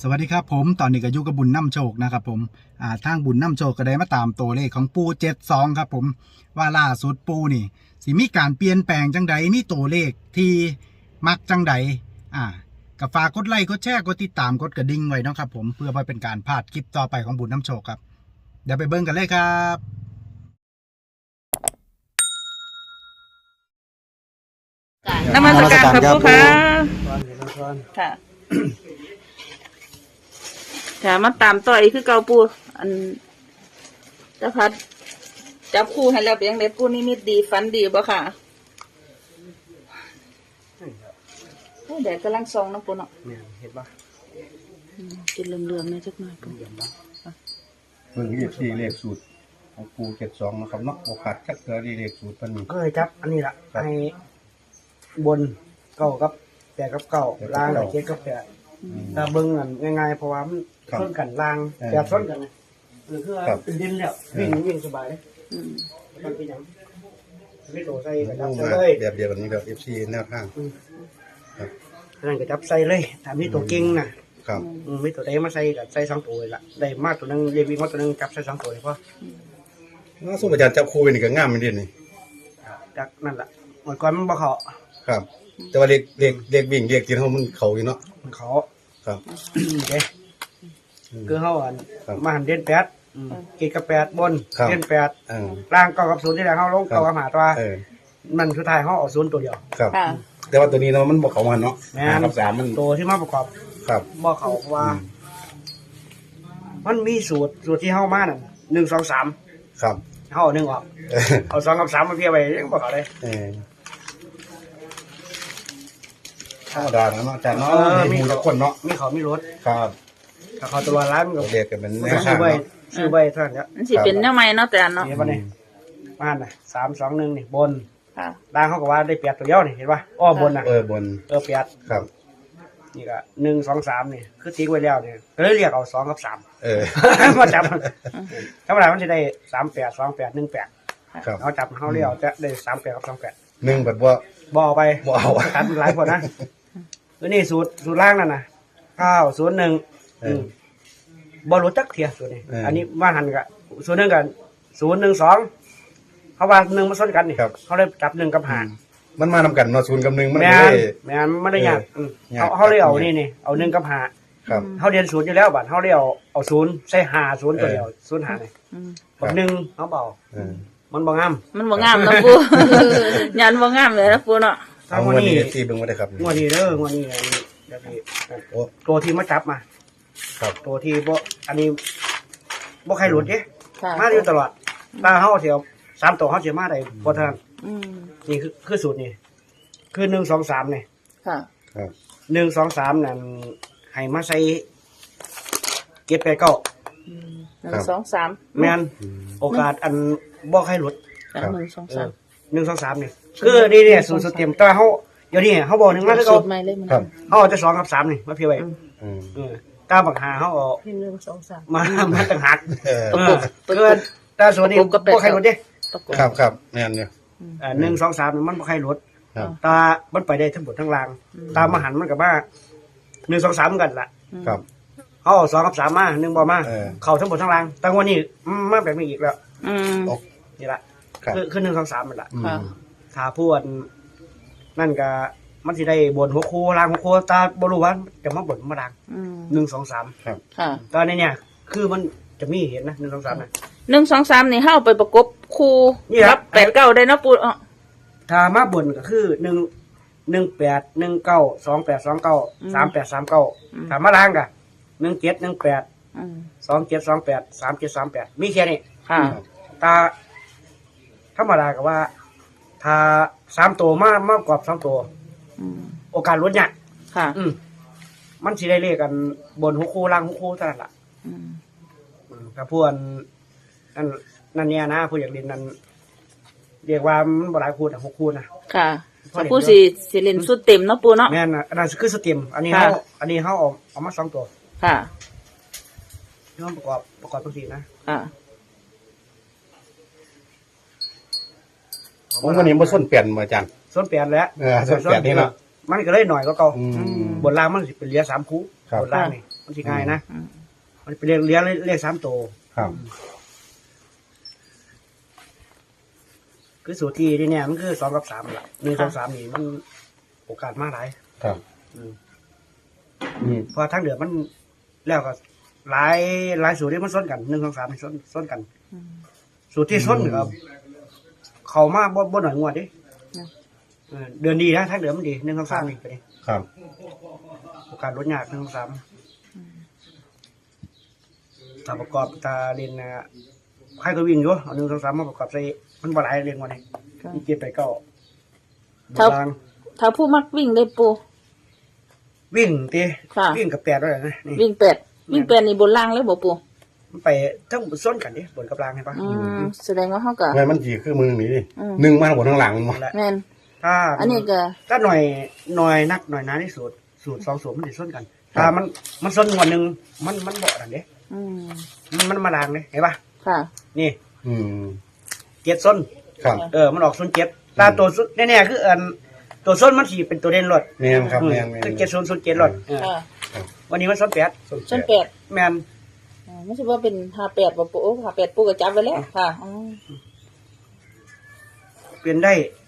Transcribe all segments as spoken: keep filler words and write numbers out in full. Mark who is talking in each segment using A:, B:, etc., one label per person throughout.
A: สวัสดีครับผมตอนนี้ก็อยู่กับบุญน้ำโชคนะครับผมอ่าทางบุญน้ำโชคก็ได้มาตามตัวเลขของปูเจ็ดสองครับผมว่าล่าสุดปูนี่สิมีการเปลี่ยนแปลงจังใดมีตัวเลขที่มักจังใดอ่าก็ฝากกดไลค์กดแชร์กดติดตามกดกระดิ่งไว้นะครับผมเพื่อไม่เป็นการพลาดคลิปต่อไปของบุญน้ำโชคครับเดี๋ยวไปเบิ่งกันเลยครับ
B: นมัสการครับผู้ค้าค่ะค่ะมาตามต่อยคือเกาปูอันเจ้าพัดจับคู่ให้แล้วเป็นยังไงปูนี่มิดดีฟันดีบ่ค่ะโอ้แดดกำลังซองน้ำปูเนาะ
C: เห็นปะ
B: กินเหลืองๆเนี่ยจักหน่อยปู
C: เบิ่งเลขสี่เลขสูตรของปูเจ็ดสองนะครับเนาะโอกาสจักเจอเลขสูตรเป็น
D: ก็เลยจับอันนี้ละให้บนเก้ากับแปดกับเก้าล่างกับเจ็ดกับแปดถ้าเบิ่งอันง่ายๆเพราะว่ามันส้นกันล่างแปดส้นกันนะหรือคือเป็นดินแล้ววิ่งวิ่งสบายเลยมันเป็นอย่างไม่โตใส่กระจับใส่เลย
C: แบบเดียวกันนี้แบบเอฟซีแนวทางครับ
D: นั่นกระจับใส่เลยถ้ามีตัวเก่งนะครับมีตัวใดมาใส่กับใส่สองตัวละได้มากตัวนึงเรียวิ่งมาตัวนึงจับใส่สองตัวเลยเพราะ
C: น่าสู้อาจารย์จับคู่นี่ก็ง่ามไม่ดีนี่
D: จากนั่นแหละเมื่อก่อนมันบ่เขา
C: ครับแต่ว่าเลขเลขเลขวิ่งเลขที่เขามันเขาอยู่เนาะ
D: มันเขา
C: ครับ
D: เด้คือเขาอันมาหันเด่นแปดกีกับแปดบนเด่นแปดล่างเก้ากับศูนย์ที่แรกเขาลงเก้ากับหาตัวมันสุดท้ายเขาเอาศูนย์ตัวเดียว
C: ครับแต่ว่าตัวนี้เนาะมันบอกเขามันเนาะ
D: หากับสามมันตัวที่มาประกอบ
C: ครับ
D: บอกเขาว่ามันมีสูตรสูตรที่เข้ามาน่ะหนึ่งสองสาม
C: ครับ
D: เข้าหนึ่งออกเอาสองกับสามมาเพียไปยังบอกเขาเลย
C: ธรรมดาเนาะอาจารย์เนาะมีทุกคนเนาะ
D: มีเขามีรถ
C: ครับ
D: ถ้าเขาตัวร้านมันก็
C: เรียกกันเป็นแนวทาง
D: ซื้อใบซื้อใบเท่านั้น
B: มันสิเป็นแนวใหม่เนาะแต่เนาะ
D: นี่ป่ะนี่บ้านน่ะสามสองหนึ่งนี่บนล่างเขาก็ว่าได้เปียกตัวเดียวนี่เห็นป่ะอ้อบนน่ะ
C: เออบน
D: เออเปียก
C: ครับ
D: นี่ก็หนึ่งสองสามนี่คือทิ้งไว้แล้วเนี่ยก็เลยเรียกเอาสองกับสาม
C: เออ
D: มาจับธรรมดามันจะได้สามแปดสองแปดหนึ่งแปดเขาจับเขาเรียกจะได้สามแปดกับสองแปด
C: หนึ่งแบบว่า
D: บ่อไป
C: บ่เอา
D: คัดหลายคนนะแล้วนี่สูตรสูตรล่างนั่นน่ะเก้าศูนย์หนึ่งบอลรถจักเทียสูตรนี้อันนี้ว่าหันกับศูนย์หนึ่งกันศูนย์หนึ่งสองเขาว่าหนึ่งมาซ้อนกันนี่เขาเลยจับหนึ่งกับหาร
C: มันมานำกันเนาะศูนย์กับหนึ่งมัน
D: ไม่ได้ไม่ไม่ได้ยากเขาเขาเลยเอานี่นี่เอาหนึ่งกับหาเขาเรียนศูนย์อยู่แล้วบัดเขาเลยเอาเอาศูนย์ใส่หาศูนย์ตัวเดียวศูนย์หาเลยบัดหนึ่งเขาเบามันบ่งาม
B: มันบ่งามนะปูยันบ่งามเลยนะปูเนาะ
C: เอางวดนี้ที่เบิ่งบ่ได้ครับ
D: งวดนี้เด้องวดนี้เดี๋ยวพี่ตัวที่มาจับมา
C: ครับ
D: ตัวที่บ่อันนี้บ่ใครหลุดเด้มาอยู่ตลอดตาเฮาเสียวสามตัวเฮาสิมาได้บ่ทันนี่คือคือสูตรนี่คือหนึ่ง สอง สามนี่
B: ค่ะ
C: ครับ
D: หนึ่ง สอง สามนั่นให้มาใส่เจ็ด แปด เก้า
B: อืมหนึ่ง สอง สาม
D: แม่นโอกาสอันบ่ใครหลุด
B: หนึ่ง สอง สาม
D: หนึ่ง สอง สามนี่คือนี่เนี่ยสูตรสูตรเต็มแต่เฮาเดี๋ยวนี้เฮาบ่หนึ่งมาคือเก่า
C: ครับ
D: เฮาจะสองกับสามนี่มาเพียไว้
C: อืม
D: เออก้าวบักหาเฮาเอา
B: หนึ่ง สอง สาม
D: มามาต่างหาก
C: เออ
D: เออแต่ส่วนนี้บ่ใครหลุดเด้
C: ครับครับแม่นอยู่
D: อ่าหนึ่ง สอง สามมันบ่ใครหลุดตามันไปได้ทั้งหมดทั้งล่างตามมหันมันก็มาหนึ่ง สอง สามกันล่ะ
C: ครับ
D: เฮาสองกับสามมาหนึ่งบ่มาเข้าทั้งหมดทั้งล่างแต่วันนี้มาแบบนี้อีกแล้ว
B: อืม
D: นี่ล่ะคือคือหนึ่ง สอง สามมันล่ะ
B: ค่ะ
D: ถ้าพูดนั่นก็มันสิได้บนหัวโคล่างหัวโคตาบ่รู้ว่าจะมาบนมาล่างหนึ่ง สอง สาม
C: ครับ
B: ค่ะ
D: ตอนนี้เนี่ยคือมันจะมีเห็นนะหนึ่ง สอง สามนะ
B: หนึ่ง สอง สามนี่เฮาไปประกบคู่ครับแปด เก้าได้เนาะปูอ๋อ
D: ถ้ามาบนก็คือหนึ่ง หนึ่ง แปด หนึ่ง เก้า สอง แปด สอง เก้า สาม แปด สาม เก้าถ้ามาล่างก็หนึ่ง เจ็ด หนึ่ง แปด สอง เจ็ด สอง แปด สาม เจ็ด สาม แปดมีแค่นี้
B: ค่ะ
D: ตาธรรมดาก็ว่าถ้าสามตัวมากมากกว่าสองตัวโอกาสลดเนี่ย
B: ค่ะ
D: อืมมันสิได้เลขกันบนหัวคู่ล่างหัวคู่เท่านั้นล่ะอืมถ้าพวกนั่นนั่นเนี่ยนะผู้อยากเรียนนั้นเรียกว่ามันบ่หลายคู่นะหกคู่นะ
B: ค่ะผู้สิสิเล่นสุดเต็มเนาะปูเนาะ
D: แม่นน่ะอันนั้นคือสเต็มอันนี้เฮาอันนี้เฮาเอาเอามาสองตัว
B: ค่ะ
D: ย้อมประกอบประกอบตัวสี่นะ
B: ค่ะ
C: ผมวันนี้บ่ส้นเปลี่ยนมาอาจารย์
D: ส้นเปลี่ยนแล้ว
C: เออส้นเปลี่ยนนี่เนาะ
D: มันก็เลยหน่อยก็เก่าบนล่างมันสิเป็นเหลือสามคู่บนล่างนี่มันสิง่ายนะ
B: อืม
D: มันเป็นเลขเลี้ยงเลขสามตัว
C: ครับ
D: คือสูตรที่ที่เนี่ยมันคือสองกับสามละหนึ่งสองสามนี่มันโอกาสมากหลาย
C: ครับ
D: อืม
C: นี่
D: เพอทั้งเดือนมันแล้วก็หลายหลายสูตรที่มันซ้นกันหนึ่งสองสามมันซ้นซ้นกัน
B: อืม
D: สูตรที่ซ้นครับ เขามาบ่บ่หน่อยงวดดิ
B: นะ
D: เออเดือนดีนะทั้งเดือนมันดีหนึ่งสองสามนี่ไปดิ
C: ครับ
D: โอกาสลดยากหนึ่งสองสามถ้าประกอบตาเรียนนะใครก็วิ่งอยู่เอาหนึ่งสองสามมาประกอบใส่มันบ่หลายเรียนวันนี้
B: ค่ะ
D: มีเจ็ดไปเก้า
B: ครับ
D: บาง
B: ถ้าผู้มักวิ่งได้ปู
D: วิ่งตี
B: ค่ะ
D: วิ่งกับแปดด้วยนะนี่
B: วิ่งแปดวิ่งแปดนี่บนล่างเลยบ่ปู
D: มันไปทั้งส้นกันดิบนกับล่างเห็นปะ
B: อืมแสดงว่าเขาก็
C: ไงมันจีคือมือนี่ดิ
B: อืม
C: หนึ่งมาทั้งบนทั้งหลังมันบ่
D: นั่นแหละ
B: แม่น
D: ถ้า
B: อันนี้ก็
D: ถ้าหน่อยหน่อยนักหน่อยหนาที่สูตรสูตรสองสูตรมันจะส้นกัน ถ้ามันมันส้นงวดหนึ่งมันมันเบาดันเด้
B: อืม
D: มันมันมาล่างเลยเห็นปะ
B: ค่ะ
D: นี่
C: อืม
D: เจ็ดส้น
C: ครับ
D: เออมันออกส้นเจ็ดตาตัวส้นแน่ๆคืออันตัวส้นมันสีเป็นตัวเด่นรถ
C: แม่นครับแม่นแม่น
D: คือเจ็ดส้นส้นเจ็ดรถเออ
B: ค่ะ
D: วันนี้มันส้นแปด
B: ส้นแปด
D: แมน
B: อ่าไม่ใช่ว่าเป็นห้าแปดบ่ปูโอ้ห้าแปดปูก็จับไว้แล้วค่ะอ๋อ
D: เปลี่ยนได้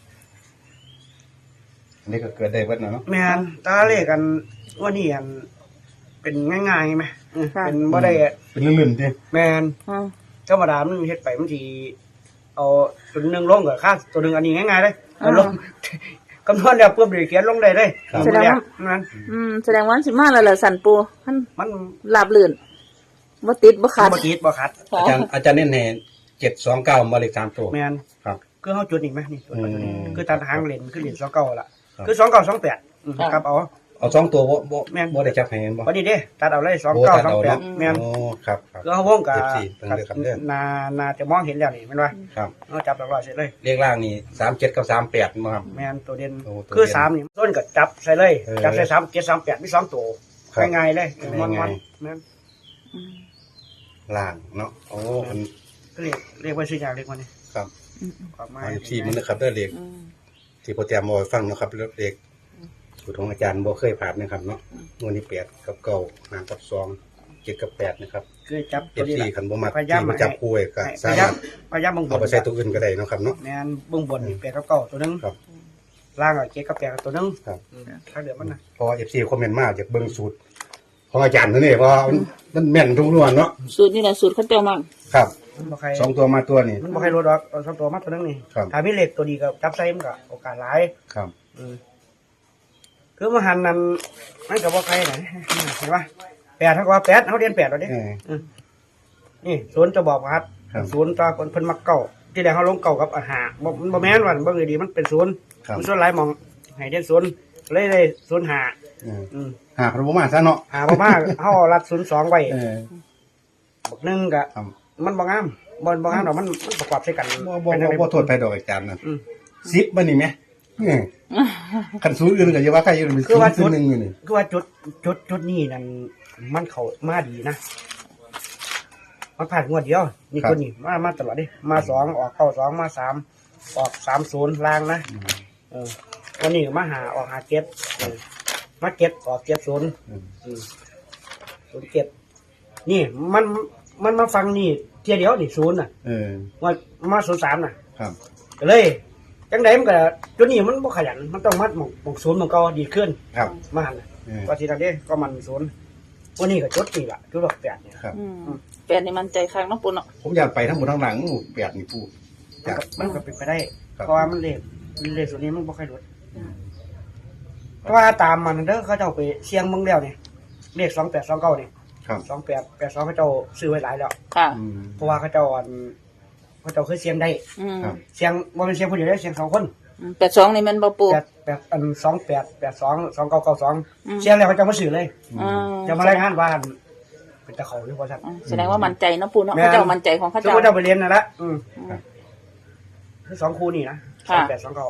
C: อันนี้ก็เกิดได้เบิดเนาะ
D: แมนตาเลขกันว่านี่อันเป็นง่ายๆไหมเออเป็นบ่ได้
C: เป็นลื่นๆดิ
D: แมน
B: อืม
D: ธรรมดามันเฮ็ดไปมันสิเอาตัวหนึงลงกับค่าตัวหนึงอันนี้ง่ายๆเลยเอาลง คำนวณแล้วปุ๊บเดี๋ยวเขียนลงได้เลย
B: แสดงว่า
D: นั้น
B: อืมแสดงว่าสิมาแล้วล่ะสันปูมัน
D: มัน
B: ลาบลื่นบ่ติดบ่ขาด
D: บ่ติดบ่ขัด
B: ค่ะ
C: อาจารย์อาจารย์เน้นให้เจ็ดสองเก้ามาเลขสามตัว
D: แมน
C: ครับ
D: คือเฮาจุดอีกไหมนี่จุดมาจุดนี้
C: อืม
D: คือตัดหางเลนคือเลนสองเก้าล่ะ
C: ครับ
D: คือสองเก้าสองแปดอืม
B: ครับ
D: ครับเอา
C: เอาสองตัวบ่บ่
D: แม่น
C: บ่ได้จับให้เห็นบ่
D: วันนี้เด้ตัดเอาเลยสอง
C: โอ้
D: เก้า
C: ตัด
D: สอง
C: เอา
D: แปด
C: เนาะ
D: แมน
C: โอ้ครับครับ
D: คือเฮาวงกับ
C: เอฟซีเพิ่นเลือกครับเด้อ
D: นานาจะมองเห็นแล้วนี่แม่นว่า
C: ครับ
D: เอาจับหลักร้อยเสร็จเลย
C: เลขล่างนี่สามเจ็ดกับสามแปดมาครับ
D: แมนตัวเด่น
C: โอ้ตัวเด่น
D: คือสามนี่ต้นก็จับใส่เลย
C: เออ
D: จับใส่สามเจ็ดสามแปดมีสองตัว
C: ครับ
D: ง่ายๆเลยมัน
C: ง่า
D: มัน
C: ย
D: แม่น
B: อืม
C: ล่างเนาะโอ้มัน
D: ก็เรียกเรียกว่าชื่อยางเรียกว่านี่
C: ครับ
B: อืม
D: ความหมา
C: เอย ซีมันนะครับเด้อเลข
B: อืม
C: ที่โปรแกรมบ่ให้ฟังเนาะครับเลขสูตรของอาจารย์บ่เคยผ่านนะครับเนาะงวดนี้แปดกับเก้าหางกับสองเจ็ดกับแปดนะครับ
D: คือจับ
C: เอ
D: ตัว
C: ฟ
D: นี้
C: ซี
D: ล่ะ
C: คันบ่มัก
D: พยายาม
C: ที่มาจับคู่ไว้ก็
D: ให้พ
C: สาย
D: ายาม
C: มารถ
D: พยายามเบิ่งบ
C: เอา
D: น
C: ไปใช้ตัวอื่นก็ได้เนาะครับเนาะ
D: แมนเบิ่งบนนี่แปดกับเก้าตัวหนึง
C: ครับ
D: ล่างอ่ะเจ็ดกับแปดกับตัวหนึง
C: ครับ
D: อืมถ้าเหลือมันนะ
C: เพราะว่า เอฟ ซี คอมเมนต์มาอยากเบิ่งสูตร ของอาจารย์นั่นนี่เพราะว่ามันมันแม่นทุกนวนเนาะ
B: สูตรนี่แหละสูตรเขาเจ้ามั่ง
C: ครับ
D: มันบ่ใคร
C: สองตัวมาตัวนี่
D: มันบ่ใครรู้ดอกเอาสองตัวมาตัวหนึงนี่
C: ครับ
D: ถ้ามีเหล็กตัวดีก็จับใส่มันก็โอกาสหลาย
C: ครับ
D: อืมคือมาหันนั่นมันก็บ่ใครไหนเห็นปะแปดเท่ากับว่าแปดเขาเรียนแปดแล้วเด้
C: เออ
D: นี่ศูนย์จะบอกว่าครับ
C: ครับ
D: ศูนย์ตาคนเพิ่นมักเก่าที่แรกเขาลงเก่ากับอาหารบ่มันบ่แม่นว่าบ่เลยดีมันเป็นศูนย์
C: ครับ
D: มันส่วนหลายหมองให้เด่นศูนย์เลยเลยศูนย์หา
C: เออ
D: อืม
C: หาพระบ่มาซะเนาะ
D: หาบ่มา เฮารัดศูนย์สองไว้
C: เออ
D: บักหนึงก็
C: ครับ
D: มันบ่งามบ่บ่งามดอกมันมันประกอบใส่กัน
C: บ่บ่
D: เป็นจั่ง
C: บ่
D: ใด
C: บ่โทษไปดอกอาจารย์นั่น
D: อืม
C: สิบมันนี่แหมเออคันสูตรอื่นก็อย่าว่าใครอยู่มัน
D: คือว่า
C: ศูนย์หนึ่งอยู่นี่
D: คือว่าจุดจุดจุดนี้นั่นมันเข้ามาดีนะมันผ่านงวดเดียวนี่ตัวนี้มามาตลอดดิมาสองออกเข้าสองมาสามออกสามศูนย์ล่างนะ เออวันนี้มาหาออกหาเก็บเออมาเก็บออกเก็บศูนย์
C: อืม
D: อืมศูนย์เก็บ นี่มันมันมาฟังนี่เทียเดียวนี่ศูนย์น่ะ
C: เออ
D: ว่ามาศูนย์สามน่ะ
C: ครับ
D: ก็เลยจังไดมันก็จุดนี้มันบ่ขยันมันต้องมัดหมองหมองศูนย์มันก็ดีขึ้น
C: ครับ
D: มาหันน่ะ
C: เออ
D: ว่าทีนั้นเด้ก็มันศูนย์วันนี้ก็จุดนี่ล่ะจุดดอกแปดเนี่ย
C: ครับ
B: อืมแปดนี่มันใจค้างเนาะปูเนาะ
C: ผมอยากไปทั้งหมดทั้งหลังแปดนี่ปู
D: มันก็มันก็เป็นไปได้
C: ครับ
D: เพราะว่ามันเลขเลขส่วนนี้มันบ่ค่อยลดเพราะว่าตามมันเด้อเขาเจ้าไปเชียงเมืองแล้วเนี่ยเลขสองแปดสองเก้านี่
C: ครับ
D: สองแปดแปดสองเขาเจ้าซื้อไว้หลายแล้ว
B: ค่ะ
C: อืม
D: เพราะว่าเขาเจ้าอันเขาเจ้าเคยเสียงได้
B: อืม
C: ครับ
D: เสียงว่าเป็นเสียงผู้เดียวได้เสียงสองคน
B: อืมแปดสองนี่แมันบ่ปู
D: แปดแปดอันสองแปดแปดสองสองเก้าเก้าสอง
B: อืม
D: เสียงแล้วเขาเจ้ามาซื้อเลย
B: อ่า
D: จะมารายงานว่าเป็นตะเขาหรือว่าสัตว์
B: อ่าแสดงว่ามันใจเนาะปูเนาะ
D: แม่น
B: เขาเจ้ามันใจของเขา
D: สม
B: เจ้าม
D: ติเราไปเรียนนั่นละอืม
C: ครับ
D: คือสองคู่นี่นะส
B: ค่ะ
D: องแปดสองเก้า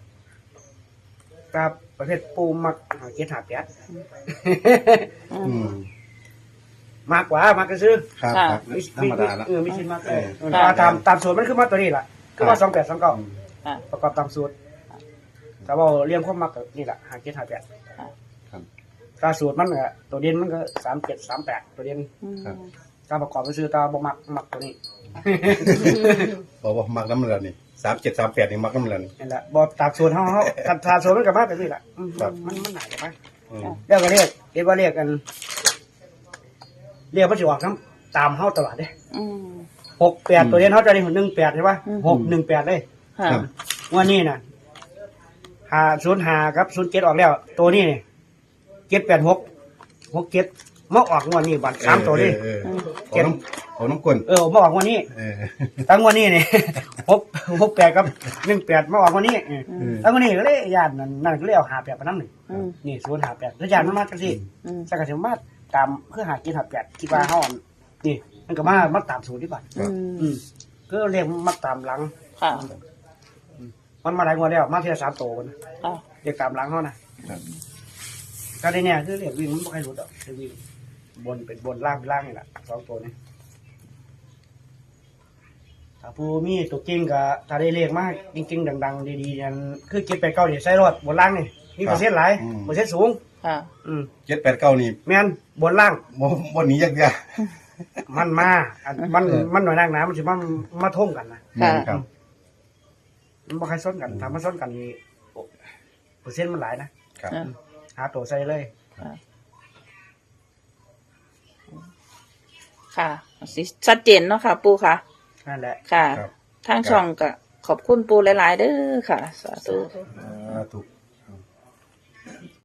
D: กับประเภทปูมักหาเกียรติหาแปด
B: อื
C: อื
B: ม
C: ม
D: มากกว่ามากก็ซื้อ
C: ครับ
B: ค่ะ
C: ครับ
D: มี
C: ธรรมดาละ
D: เออมีชิ้นมากเออ
C: เออ
D: ตามตามตามสูตรมันคือมาตัวนี้แหละคือว่าสองแปดสองเก้า
B: ค่ะ
D: ประกอบตามสูตรแต่ว่าเรียงความมักก็นี่แหละหาเกียรติหาแปด
C: ครับ
D: ตาสูตรมันก็ตัวเด่นมันก็สามเจ็ดสามแปดตัวเด่น
B: อืม
D: ตาประกอบไปซื้อตาบ่มักมักตัวนี้
C: บอกว่ามักน้ำเลือดนี่สามเจ็ดสามแปดนี่มักน้ำเลือดนี่
D: นี่แหละบ่ตากสูตรเฮาเฮาคันตาสูตรมันก็มาแบบนี้แหละอืม
C: ครับ
D: มันมันหนาจะไป
C: อืม
D: แล้วก็เรียกเรียกว่าเรียกกัน เรียกว่าสิออกนํตามเฮาตลอดเด้
B: อืม
D: หกแปดตัวเด่นเฮาจะได้หนึ่งแปดใช่ป่ะ
B: อืม
D: หกหนึ่งแปดเลย
B: ค่ะ
C: ครับ
D: วันนี้น่ะหาศูนย์หาครับศูนย์เจ็ดออกแล้ว ตัวนี้นี่เจ็ดแปดหกหกเจ็ดมาออกงวดนี้บัตรสามตัวนี้
C: เออเออเออเอาน้ำเอาน้ำกลน
D: เออมาออกงวดนี้
C: เออ
D: ตั้งงวดนี้นี่ หกหกแปดกับหนึ่งแปดมาออกงวดนี้เออ
B: อืม
D: ตั้งงวดนี้ก็เลยญาตินั่นนั่นก็เลยเอาหาแปดไปน้ำหนึ่ง
B: อืม
D: นี่ศูนย์หาแปดแล้วญาติมันมาจังสิ
B: อืม
D: สักกะสิมาตามเพื่อหากินหาแปดคิดว่าเฮาอันนี่มันก็มามาตามสูตรดีกว่า
B: อืม
D: อืมก็เรียกมาตามหลัง
B: ค่ะ
D: มันมาหลายงวดแล้วมาเทียสามโตกัน
B: ค่ะ
D: เรียกตามหลังเขานะครับ ก็ได้เนี่ยคือเรียกวิ่งมันไม่ค่อยรู้ดอกเรียกวิ่งบนเป็นบนล่างเป็นล่างนี่แหละสองตัวนี้ถ้าผู้มีตัวจริงก็ถ้าได้เรียกมากจริงๆดังๆดีๆนั่นคือเก็บไปเก้าเดี๋ยวใส่รถบนล่างนี่มีเปอร์เซ็นต์หลายเปอร์เซ็นต์สูง
B: ค่ะ
D: อืม
C: เจ็ดแปดเก้านี่
D: แม่นบนล่าง
C: บ่บ่หนียากยาก
D: มันมาอันมันมันหน่อยนางน้ำมันสิมันมาท่มกันนะ
B: ค่ะ
C: ครับ
D: มันบ่ใครซ้อนกันถ้ามันซ้อนกันนี่โอ้เปอร์เซ็นต์มันหลายนะครับ
B: อ่า
D: หาตัวใส่เลย
B: ค่ะสิชัดเจนเนาะค่ะ ปูค่ะ
D: นั่นแหละ
B: ค่ะ
C: ครับ
B: ทางช่องก็ขอบคุณปูหลาย ๆ เด้อค่ะ สาธุ
C: อ่าถูก